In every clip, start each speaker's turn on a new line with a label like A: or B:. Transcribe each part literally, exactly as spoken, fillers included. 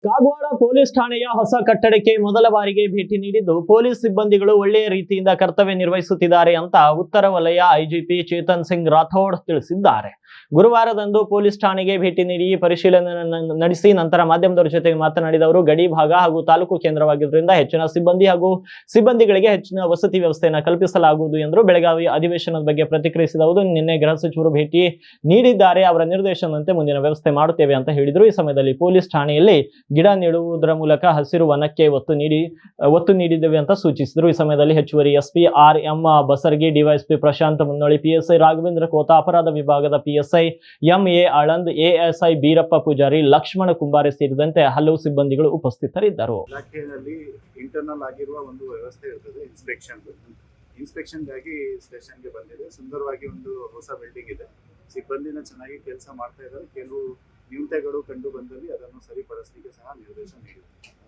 A: Kagwad police ಠಾಣೆಯ ಹೊಸ ಕಟ್ಟಡಕ್ಕೆ ಮೊದಲ ಬಾರಿಗೆ ಭೇಟಿ ನೀಡಿದ್ದು ಪೊಲೀಸ್ ಸಿಬ್ಬಂದಿಗಳು ಒಳ್ಳೆಯ ರೀತಿಯಿಂದ ಕರ್ತವ್ಯ ನಿರ್ವಹಿಸುತ್ತಿದ್ದಾರೆ ಅಂತ ಉತ್ತರ ವಲಯ ಐಜಿಪಿ ಚೇತನ್ ಸಿಂಗ್ ರಾಥೋಡ್ ತಿಳಿಸಿದ್ದಾರೆ. ಗುರುವಾರದಂದು ಪೊಲೀಸ್ ಠಾಣೆಗೆ ಭೇಟಿ ನೀಡಿ ಪರಿಶೀಲನೆ ನಡೆಸಿ ನಂತರ ಮಾಧ್ಯಮದವರ ಜೊತೆಗೆ ಮಾತನಾಡಿದ ಅವರು, ಗಡಿ ಭಾಗ ಹಾಗೂ ತಾಲೂಕು ಕೇಂದ್ರವಾಗಿದ್ದರಿಂದ ಹೆಚ್ಚಿನ ಸಿಬ್ಬಂದಿ ಹಾಗೂ ಸಿಬ್ಬಂದಿಗಳಿಗೆ ಹೆಚ್ಚಿನ ವಸತಿ ವ್ಯವಸ್ಥೆಯನ್ನು ಕಲ್ಪಿಸಲಾಗುವುದು ಎಂದರು. ಬೆಳಗಾವಿ ಅಧಿವೇಶನದ ಬಗ್ಗೆ ಪ್ರತಿಕ್ರಿಯಿಸಿದ ಅವರು, ನಿನ್ನೆ ಗೃಹ ಸಚಿವರು ಭೇಟಿ ನೀಡಿದ್ದಾರೆ, ಅವರ ನಿರ್ದೇಶನದಂತೆ ಮುಂದಿನ ವ್ಯವಸ್ಥೆ ಮಾಡುತ್ತೇವೆ ಅಂತ ಹೇಳಿದರು. ಈ ಸಮಯದಲ್ಲಿ ಪೊಲೀಸ್ ಠಾಣೆಯಲ್ಲಿ ಗಿಡ ನೆಡುವುದರ ಮೂಲಕ ಹಸಿರು ವನಕ್ಕೆ ಒತ್ತು ನೀಡಿ ಒತ್ತು ನೀಡಿದ್ದೇವೆ ಅಂತ ಸೂಚಿಸಿದರು. ಈ ಸಮಯದಲ್ಲಿ ಹೆಚ್ಚುವರಿ SP R M Basargi, DYSP Prashant Munnoli, PSI Raghavendra Kota, ಅಪರಾಧ ವಿಭಾಗದ PSI M A Aland, ASI Beerappa Pujari, Laxman Kumbare ಸೇರಿದಂತೆ ಹಲವು ಸಿಬ್ಬಂದಿಗಳು ಉಪಸ್ಥಿತರಿದ್ದರು.
B: ಇಲಾಖೆಯಲ್ಲಿ ಇಂಟರ್ನಲ್ ಆಗಿರುವ ಒಂದು ವ್ಯವಸ್ಥೆ ಇರ್ತದೆ, ಇನ್ಸ್ಪೆಕ್ಷನ್ ಇನ್ಸ್ಪೆಕ್ಷನ್ಗಾಗಿ ಸ್ಟೇಷನ್ಗೆ ಬಂದಿದೆ. ಸುಂದರವಾಗಿ ಒಂದು ಹೊಸ ಬಿಲ್ಡಿಂಗ್ ಇದೆ, ಸಿಬ್ಬಂದಿನ ಚೆನ್ನಾಗಿ ಕೆಲಸ ಮಾಡ್ತಾ ಇದ್ದಾರೆ. ಕೆಲವು ನ್ಯೂನತೆಗಳು ಕಂಡು ಬಂದಲ್ಲಿ ಅದನ್ನು ಸರಿಪಡಿಸಲಿಕ್ಕೆ ಸಹ ನಿರ್ದೇಶನ ನೀಡಿದೆ.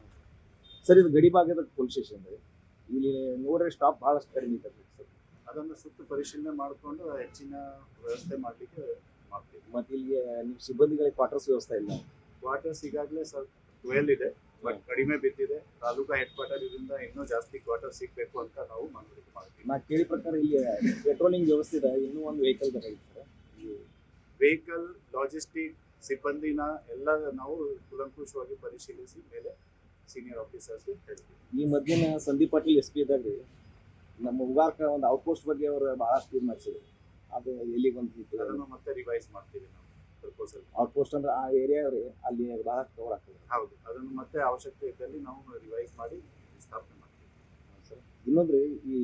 C: ಸರ್, ಇದು ಗಡಿ ಭಾಗದ ಪೊಲೀಸ್ ಸ್ಟೇಷನ್ ಇಲ್ಲಿ ನೋಡ್ರೆ ಸ್ಟಾಪ್ ಬಹಳಷ್ಟು ಕಡಿಮೆ ಇದೆ ಸರ್.
B: ಅದನ್ನು ಸುತ್ತು ಪರಿಶೀಲನೆ ಮಾಡಿಕೊಂಡು ಹೆಚ್ಚಿನ ವ್ಯವಸ್ಥೆ ಮಾಡಲಿಕ್ಕೆ ಮಾಡ್ತೀವಿ.
C: ಮತ್ತು ಇಲ್ಲಿ ನಿಮ್ಮ ಸಿಬ್ಬಂದಿಗಳಿಗೆ ಕ್ವಾರ್ಟರ್ಸ್ ವ್ಯವಸ್ಥೆ ಇಲ್ಲ.
B: ಕ್ವಾರ್ಟರ್ಸ್ ಈಗಾಗಲೇ ಸ್ವಲ್ಪ ಟ್ವೆಲ್ ಇದೆ, ಬಟ್ ಕಡಿಮೆ ಬಿದ್ದಿದೆ. ತಾಲೂಕಾ ಹೆಡ್ ಕ್ವಾರ್ಟರ್ ಇದರಿಂದ ಇನ್ನೂ ಜಾಸ್ತಿ ಕ್ವಾರ್ಟರ್ ಸಿಗಬೇಕು ಅಂತ ನಾವು ಮನವರಿಕೆ ಮಾಡ್ತೀವಿ.
C: ನಾ ಕೇಳಿ ಪ್ರಕಾರ ಇಲ್ಲಿ ಪೆಟ್ರೋಲಿಂಗ್ ವ್ಯವಸ್ಥೆ ಇದೆ, ಇನ್ನೂ ಒಂದು ವೆಹಿಕಲ್ ಬೇಕಾಗಿತ್ತು.
B: ವೆಹಿಕಲ್, ಲಾಜಿಸ್ಟಿಕ್, ಸಿಬ್ಬಂದಿನ ಎಲ್ಲ ನಾವು ಕೂಲಂಕುಷವಾಗಿ ಪರಿಶೀಲಿಸಿ ಮೇಲೆ ಸೀನಿಯರ್ ಆಫೀಸರ್ಸ್ಗೆ ಹೇಳ್ತೀವಿ.
C: ಈ ಮಧ್ಯಾಹ್ನ ಸಂದೀಪ್ ಪಾಟೀಲ್ ಎಸ್ ಪಿ ಇದ್ದಾಗ ನಮ್ಮ ಉಗಾರ್ಕ ಒಂದು ಔಟ್ಪೋಸ್ಟ್ ಬಗ್ಗೆ ಅವರು ಬಹಳಷ್ಟು ಇದು ಮಾಡಿಸಿದ್ರು. ಅದು ಎಲ್ಲಿಗೆ ಬಂದಿತ್ತು,
B: ಅದನ್ನು ಮತ್ತೆ ರಿವೈಸ್ ಮಾಡ್ತೀವಿ ನಾವು. ಪ್ರಪೋಸಲ್
C: ಔಟ್ಪೋಸ್ಟ್ ಅಂದ್ರೆ ಆ ಏರಿಯಾ ಅಲ್ಲಿ ಬಹಳಷ್ಟು ಕವರ್ ಆಗ್ತದೆ.
B: ಹೌದು, ಅದನ್ನು ಮತ್ತೆ ಅವಶ್ಯಕತೆ ಇದ್ದಲ್ಲಿ ನಾವು ರಿವೈಸ್ ಮಾಡಿ ಸ್ಥಾಪನೆ ಮಾಡ್ತೀವಿ.
C: ಸರ್, ಇನ್ನೊಂದ್ರೆ ಈ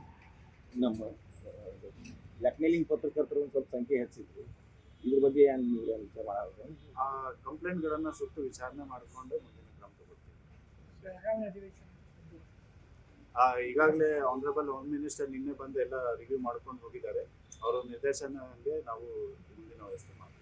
C: ನಮ್ಮ ಬ್ಲ್ಯಾಕ್ಮೇಲಿಂಗ್ ಪತ್ರಕರ್ತರು ಒಂದು ಸ್ವಲ್ಪ ಸಂಖ್ಯೆ ಹೆಚ್ಚಿದ್ರು, ಇದ್ರ ಬಗ್ಗೆ ಏನು ನೀವು ಮಾಡೋದು?
B: ಆ ಕಂಪ್ಲೇಂಟ್ಗಳನ್ನು ಸುತ್ತು ವಿಚಾರಣೆ ಮಾಡಿಕೊಂಡು ಮುಂದಿನ ಕ್ರಮ ತಗೊಳ್ತೀವಿ. ಈಗಾಗಲೇ ಆನರಬಲ್ ಹೋಮ್ ಮಿನಿಸ್ಟರ್ ನಿನ್ನೆ ಬಂದು ಎಲ್ಲ ರಿವ್ಯೂ ಮಾಡ್ಕೊಂಡು ಹೋಗಿದ್ದಾರೆ. ಅವರ ನಿರ್ದೇಶನಕ್ಕೆ ನಾವು ಮುಂದಿನ ವ್ಯವಸ್ಥೆ ಮಾಡ್ತೀವಿ.